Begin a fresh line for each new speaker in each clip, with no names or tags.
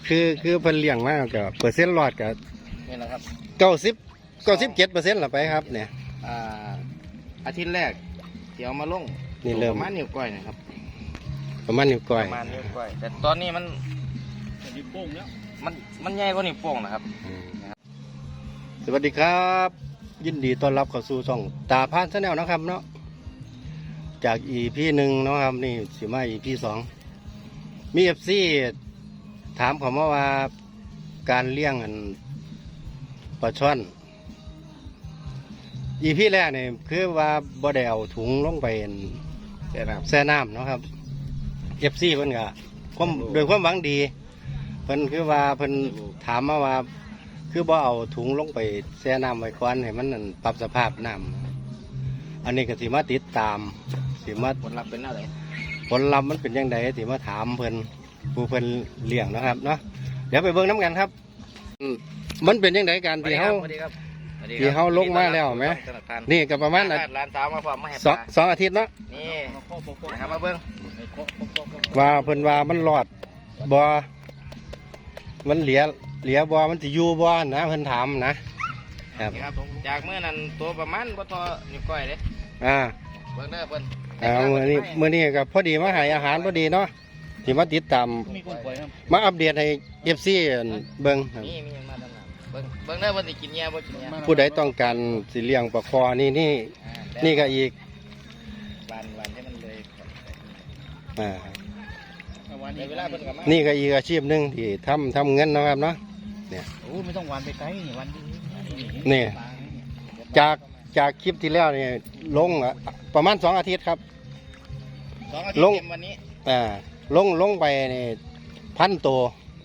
คือเพิ่นเลี้ยงมากกับเปอร์เซ็นต์รอดกับ
นี่แหละครับ
97%ละไปครับเนี่ย
อาทิตย์แรกเดี๋ยวมาลง
นี่เริ่ม
ประมาณนิ้วก้อยนะครับ
ประมาณนิ้วก้อย
ประมาณนิ้วก้อยแต่ตอนนี้มันนิ้วโป้งแล้วมันใหญ่กว่านิ้วโป้งนะครับ
สวัสดีครับยินดีต้อนรับเข้าสู่ช่องตาพานชาแนลนะครับเนาะจาก EP 1เนาะครับนี่สิมา EP 2มี FC ถามเขาว่าการเลี้ยงปลาช่อน EP แรกเนี่ยคือว่าบ่ได้เอาถุงลงไปแช่น้ำเนาะครับ FC เพิ่นก็โดยความหวังดีเพิ่นคือว่าเพิ่นถามมาว่าคือบ่เอาถุงลงไปแช่น้ำไว้ก่อนให้มันปรับสภาพน้ำอันนี้ก็สิมาติดตามสิมา
ผลลัพธ์เป็นอะไร
ผลลัพธ์มันเป็นยังไงสิมาถามเพิ่นผู้เพิ่นเลี้ยงนะครับเนาะเดี๋ยวไปเบิ่งน้ำกันครับมันเป็นยังไงการที่เขาลงมาแล้วไหมนี่ก็ประมาณ
ร้านสาวมาพร้อมมาให้
สองอาทิตย์เนาะ
นี่นะครับมาเบิ่ง
ว่าเพิ่นว่ามันรอดบ่มันเหลียบ่มันจะอยู่บ่นะเพิ่นถามนะครับ
จากเมื่อนั้นตัวประมาณบ่ทอนิ้วก้อยเด้เบิ่งเด้อเพิ่น
มื้อนี้ก็พอดีมาให้อาหารพอดีเนาะที่มาติดตามมาอัปเดตให้ FC เบิ่งครับ
มีมาตลาดเบิ่งเด้อเพิ่นสิกินแย่บ่กินแย่
ผู้ใดต้องการสิเลี้ยงปลาคอนี่ก็อีก
วันให้มันเลย
นี่ก็อีกอาชีพหนึ่งที่ทำเงินนะครับเนาะเนี่ย
ไม่ต้องวันไปไกลวัน
นี่จากคลิปที่แล้วเนี่ยลงประมาณ2 อาทิตย์ครับ
2 อาทิตย์วันนี้
ลงไปนี่1,000 ตัว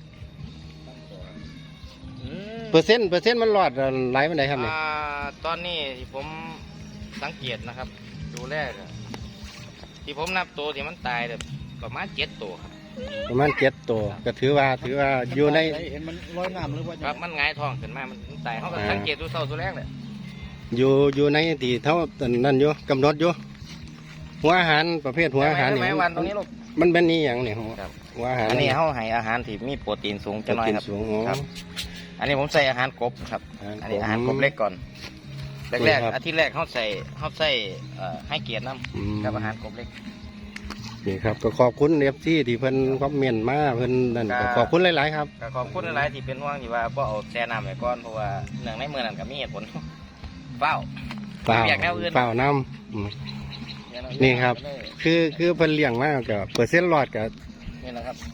เปอร์เซ็นต์มันรอดไหลไปไหนครับเนี่ย
ตอนนี้ที่ผมสังเกตนะครับดูแรกที่ผมนับตัวที่มันตายประมาณ7 ตัวครับ
ประมาณ7 ตัวก็ถือว่าอยู่ใน
เห็นมันลอยน้ำหรือว่าครับมันหงายท้องขึ้นมามันตายเขาก็สังเกตดูเศร้าตัวแรกเลย
อยู่ในที่เท่านั่นอยู่กำหนดอยู่หัวอาหารประเภทหัวอาหารนี่มันเป็นนี่อย่างเนี่ยหัวอาหาร
อันนี้เขาให้อาหารที่มีโปรตีนสูงจะน้อยครับอันนี้ผมใส่อาหารกบครับอันนี้อาหารกบเล็กก่อนแรกอาทิตย์แรกเขาใส่ให้เกียรติน้ำกับอาหารกบเล็ก
นี่ครับก็ขอบคุณFCที่เพิ่นคอมเมนต์มาเพิ่นนั่นก็ขอบคุณหลายๆครับ
ขอบคุณหลายๆที่เป็นห่วงที่ว่าบ่เอาแช่น้ำไว้ก่อนเพราะว่าเนื่องในเมื่อนั้นก็มีเหตุผลเฝ้า
น้ำนี่ครับคือเพิ่นเลี้ยงมากกับเปอร์เซ็นต์รอดกับ
นี่แหละครับ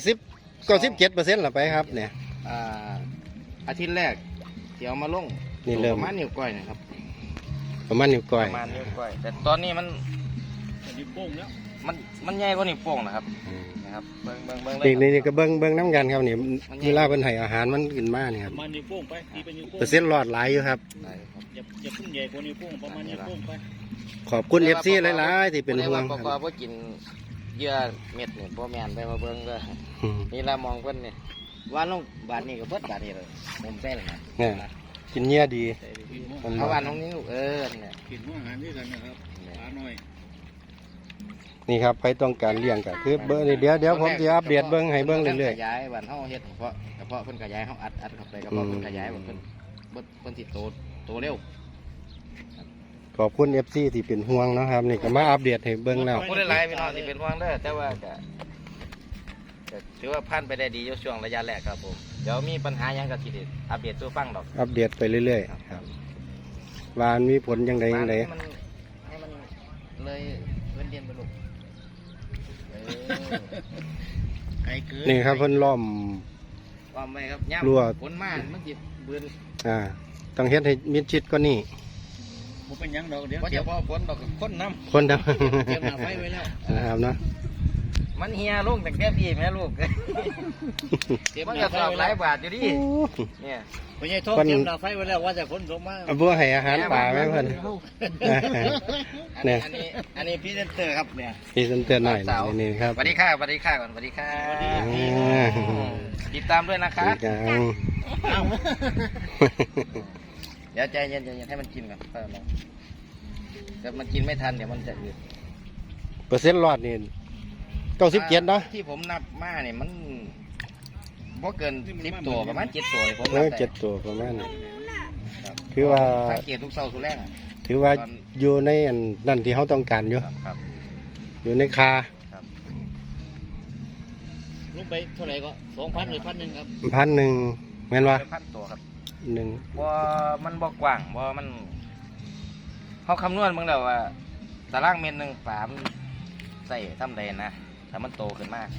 97%ละไปครับเนี่ย
อาทิตย์แรกเดี๋ยวมาลง
นี่เริ่ม
ประมาณนิ้วก้อยนะครับ
ประมาณนิ้วก้อย
แต่ตอนนี้มันนิ้วโป้งแล้วมันใหญ่กว่านิ้วโป้งนะครับเบิ่ง
นี่ก็เบิ่งน้ำกันครับนี่เวลาเพิ่นให้อาหารมันกินมากนี่ครับ
นิ้วโป้งไป
เปอร์เซ็นต์รอดหลายอยู่ครับ
อย่าพึ่งใหญ่กว่านิ้วโป้งประมาณนิ้วโป้งไป
ขอบคุณ FC หลายๆที่เป็นห่วง
ครับเพราะกินเยื่อเม็ดนี่พ่อแม่นไปมาเบิ่งก็นี่ละมองเพิ่นนี่ว่าลงบาทนี้ก็เบิดบาทนี้เลยผมใส่เลย
นะกินเยื่อดี
เอาวันตรงนี้ลูกเนี่ย
กินอาหารที่กันนะครับปลาหน่อย
นี่ครับใครต้องการเลี้ยงก็คือเบอร์เดี๋ยวผมจะอัปเดตเบิ้งให้เบิ้งเรื่อย
ๆขยายวันเฮาเฮ็ดเพราะเพิ่นขยายเฮาอัดเข้าไปก็เพราะเพิ่นขยายเพิ่นสิโตเร็ว
ขอบคุณ FC ที่เป็นห่วงนะครับนี่ก็มาอัปเดตให้เบิ้งแล้ว
ผู้หลายๆพี่น้องที่เป็นห่วงเด้อแต่ว่าก็ถือว่าผ่านไปได้ดีอยู่ช่วงระยะแรกครับผมเดี๋ยวมีปัญหายังก็สิอัปเดตตัวฟังดอก
อัปเดตไปเรื่อยๆครับว่ามีผลยังไงให้มัน
เลยเรียนไปลูก
นี่ครับเพิ่นล้อม
ไว้ครับ
รั่ว
ฝนมามันสิเบือน
ต้องเฮ็ดให้มิดชิดกว่านี้
บ่เป็นหยังดอกเ
ดี๋ยวพอฝนดอกคนน้
ำ
เตรียมหน้าไฟไว้แล้ว
นะครับเนาะ
มันเฮียลูกแต่แก้พี่แม่ลูกมันจะสอบหลายบาทอยู่ดิเนี่ย
ไม่ใช่ท้องเตรียมหน้าไฟไว้แล้วว่าจะฝนตกมา
บัวให้อาหารป่าไหมเพิ่น
เนี่ยอันนี้พี่เซนเตอร์ครับเนี่ย
พี่เซนเตอร์หน่อยนี่ครับ
สวัสดีค่ะก่อนสวัสดีค่ะติดตามด้วยนะคะเดี๋ยวใจเย็นให้มันกินก่อนแต่มันกินไม่ทันเดี๋ยวมันจะอืด
เปอร์เซ็นต์รอดนี่97เนาะ
ที่ผมนับมาเนี่ยมันบ่เกิน10ตัวประมาณ7ตัวผม
แล้ว7ตัวประมาณนี้คือว่า
สังเกตทุกเสาร์ทุกแรก
ถือว่าอยู่ในอันนั่นที่เขาต้องการอยู่
ครับ
อยู่ในคา
ลงไปเท่าไหร่ก็2,000หรือ1,000ครับ
1,000แม่นว่า
พันตัวครับ
1
บ่มันบ่กว้างบ่มันเขาคำนวณมึงแล้วว่าตารางเมตรหนึ่งปลามันใส่ทำได้นะแต่มันโตขึ้นมาก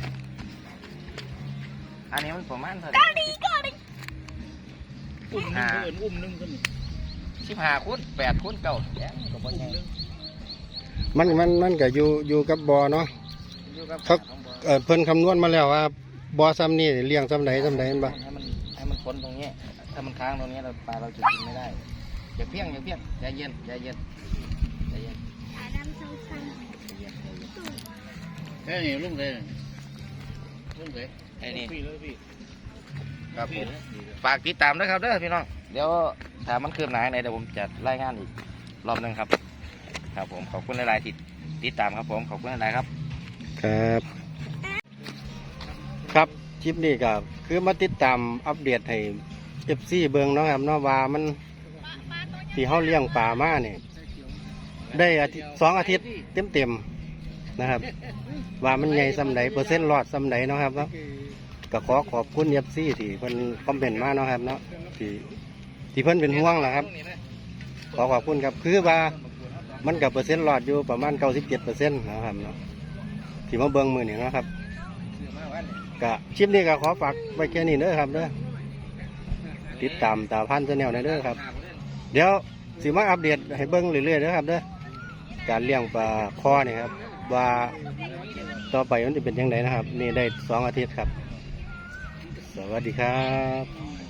อันนี้มันประมาณเท่าไหร่
อุ้มนึงขึ้น
15 คูณ 8 คูณ 9แย่ก็บ่ใหญ่
มันก็อยู่กับบอเนาะ
อยู่กับ
เขา เพิ่นคำนวณมาแล้วว่าบอซ้ำนี่เลี้ยงซ้ำไหนเห็นบ่
ให้มันพ้นตรงนี้ถ้ามันค้างตรงนี้เราปลาเราจะกินไม่ได้อย่าเพี้ยงใจเย็นใจเย็น
แค่นี้ลุงเลย
ไอ้นี่
พี่เลยพี่
ครับผมฝากติดตามด้วยครับเด้อพี่น้องเดี๋ยวถ้ามันคืบหน้าไหนเดี๋ยวผมจะรายงานอีกรอบหนึงครับครับผมขอบคุณหลายๆที่ติดตามครับผมขอบคุณหลายๆครับ
ครับครับคลิปนี้ก็คือมาติดตามอัปเดตให้ FC เบิ่งเนาะครับเนาะว่ามันที่เฮาเลี้ยงปลามานี่ได้2 อาทิตย์เต็มๆนะครับ ว่ามันใหญ่ส่ำใดเปอร์เซ็นต์รอดส่ำใดเนาะครับเนาะก็ขอบคุณ FC ที่เพิ่นคอมเมนต์มาเนาะครับเนาะที่เพิ่นเป็นห่วงนะครับ ขอบคุณครับคือว่ามันกับเปอร์เซ็นต์รอดอยู่ประมาณ 97% นะครับเนาะที่มาเบิ่งมื้อนี้เนาะครับก็คลิปนี้ก็ขอฝากไว้แค่นี้เด้อครับเด้อติดตามตาพันธุ์ชาแนลเด้อครับ เดี๋ยวสิมาอัปเดตให้เบิ่งเรื่อยๆเด้อครับเด้อการเลี้ยงปลาคอนี่ครับว่าต่อไปมันจะเป็นยังไงนะครับนี่ได้2 อาทิตย์ครับสวัสดีครับ